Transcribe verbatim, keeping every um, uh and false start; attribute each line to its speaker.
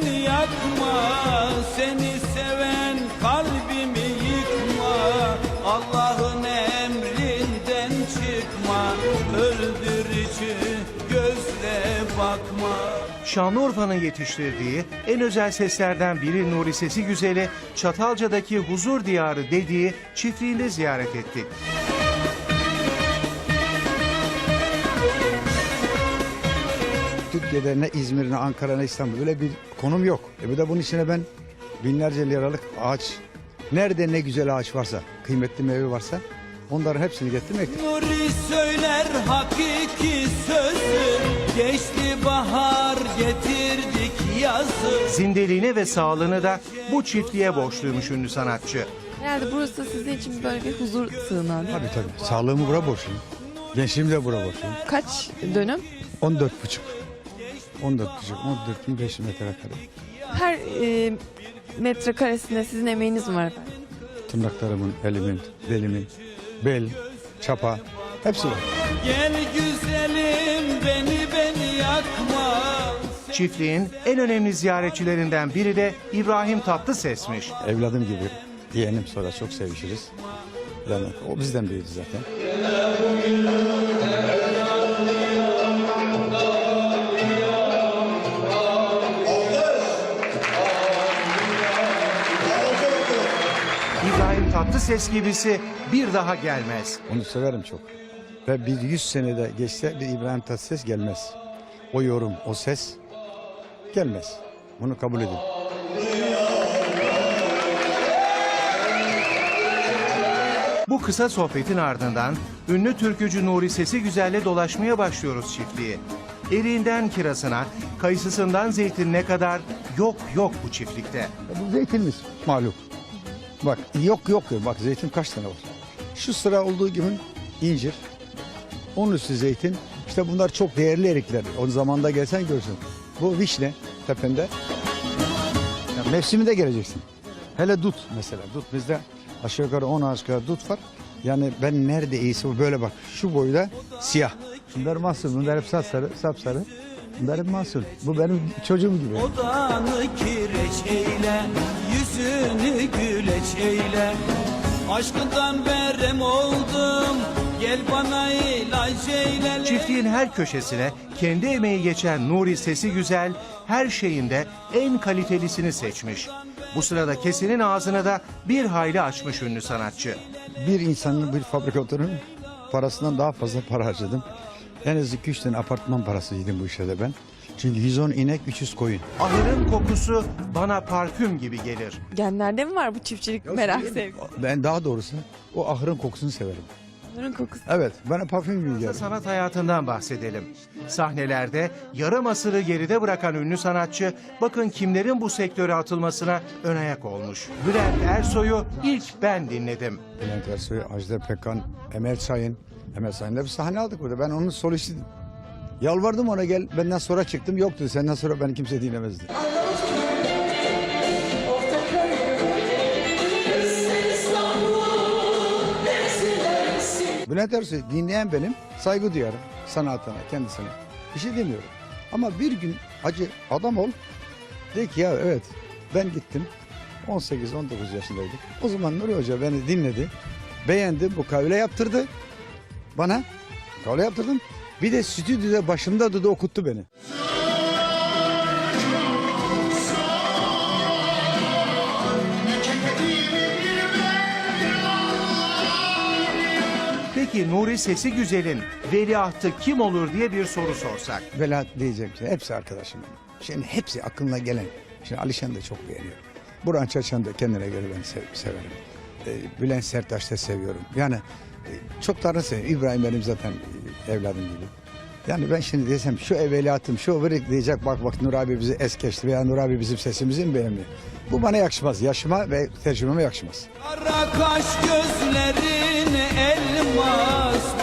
Speaker 1: beni yakma, seni seven kalbimi yıkma. Allah'ın emrinden çıkma, öldürücü gözle bakma.
Speaker 2: Şanlıurfa'nın yetiştirdiği en özel seslerden biri Nuri Sesi Güzel'i Çatalca'daki huzur diyarı dediği çiftliğinde ziyaret ettik.
Speaker 3: Türkiye'de ne İzmir, ne Ankara, ne İstanbul böyle bir konum yok. E bir de bunun içine ben binlerce liralık ağaç, nerede ne güzel ağaç varsa, kıymetli meyve varsa onların hepsini getirmek.
Speaker 1: Nuri söyler hakiki sözü, geçti bahar getirdik yazı.
Speaker 2: Zindeliğine ve sağlığını da bu çiftliğe borçluymuş ünlü sanatçı.
Speaker 4: Herhalde burası sizin için böyle bir huzur sığınağı değil mi?
Speaker 3: Tabii tabii. Sağlığımı bura borçluyum. Gençliğimi de bura borçluyum.
Speaker 4: Kaç dönüm?
Speaker 3: on dört buçuk. on dört buçuk, on dört bin beş yüz metrekare.
Speaker 4: Her e, metrekaresinde sizin emeğiniz mi var efendim?
Speaker 3: Tırnaklarımın, elimin, belimin, bel, çapa hepsi var.
Speaker 1: Gel güzelim beni beni yakma.
Speaker 2: Çiftliğin en önemli ziyaretçilerinden biri de İbrahim Tatlıses'miş.
Speaker 3: Evladım gibi yeğenim, sonra çok sevişiriz. Yani o bizden büyüdü zaten.
Speaker 2: İbrahim Tatlıses gibisi bir daha gelmez.
Speaker 3: Onu severim çok. Ve bir yüz senede geçse bir İbrahim Tatlıses gelmez. O yorum, o ses gelmez. Bunu kabul edin.
Speaker 2: Bu kısa sohbetin ardından ünlü türkücü Nuri Sesi Güzel'le dolaşmaya başlıyoruz çiftliği. Eriğinden kirazına, kayısısından zeytinine kadar yok yok bu çiftlikte.
Speaker 3: Bu zeytinimiz malum. Bak yok yok diyor. Bak zeytin kaç tane var. Şu sıra olduğu gibi incir. Onun üstü zeytin. İşte bunlar çok değerli erikler. O zamanda gelsen görsün. Bu vişne tepende. Ya mevsiminde geleceksin. Hele dut mesela. Dut bizde aşağı yukarı on ağaç kadar dut var. Yani ben nerede iyisi bu böyle bak. Şu boyda siyah. Bunlar mahsul. Bunlar hep sapsarı, sapsarı. Bunlar hep mahsul. Bu benim çocuğum gibi.
Speaker 1: Odanı kireç eyle, yüzünü güleç eyle. Aşkından berem oldum, gel bana ilaç eyle.
Speaker 2: Çiftliğin her köşesine kendi emeği geçen Nuri Sesi Güzel her şeyinde en kalitelisini seçmiş. Bu sırada kesinin ağzını da bir hayli açmış ünlü sanatçı.
Speaker 3: Bir insanın, bir fabrikatörün parasından daha fazla para harcadım. En az iki üç tane apartman parası yedim bu işe de ben. Çünkü yüz on inek, üç yüz koyun.
Speaker 2: Ahırın kokusu bana parfüm gibi gelir.
Speaker 4: Genlerde mi var bu çiftçilik merak sevgi?
Speaker 3: Ben daha doğrusu o ahırın kokusunu severim.
Speaker 4: Bunların kokusu.
Speaker 3: Evet, bana parfüm gibi gelir.
Speaker 2: Sanat hayatından bahsedelim. Sahnelerde yarım asırı geride bırakan ünlü sanatçı bakın kimlerin bu sektöre atılmasına ön ayak olmuş. Bülent Ersoy'u ilk ben dinledim.
Speaker 3: Bülent Ersoy, Ajda Pekkan, Emel Sayın. Emel Sayın'da bir sahne aldık burada. Ben onun solistiydim. Yalvardım ona, gel. Benden sonra çıktım. Yok dedi. Senden sonra beni kimse dinlemezdi. Bülent Ersoy dinleyen benim, saygı duyarım sanatına, kendisine. Bir şey demiyorum. Ama bir gün acı adam ol. De ki ya evet ben gittim. on sekiz on dokuz yaşındaydım. O zaman Nuri Hoca beni dinledi. Beğendi, bu kavle yaptırdı. Bana kavle yaptırdım. Bir de stüdyoda başımda da okuttu beni.
Speaker 2: Peki Nuri Sesi Güzel'in veliahtı kim olur diye bir soru sorsak.
Speaker 3: Veliaht diyeceğim şey, hepsi arkadaşım benim. Şimdi hepsi aklına gelen. Şimdi Alişan'ı da çok beğeniyorum. Burhan Çaçan'ı da kendine göre ben sev, severim. Ee, Bülent Serttaş'ı da seviyorum. Yani e, çok tanrı seviyorum. İbrahim benim zaten e, evladım gibi. Yani ben şimdi desem şu evveliyatım, şu vırık diyecek, bak bak Nur abi bizi es geçti veya Nur abi bizim sesimizi mi beğenmiyor? Bu bana yakışmaz. Yaşıma ve tecrübeme yakışmaz.
Speaker 1: Kara kaş gözlerin elmas.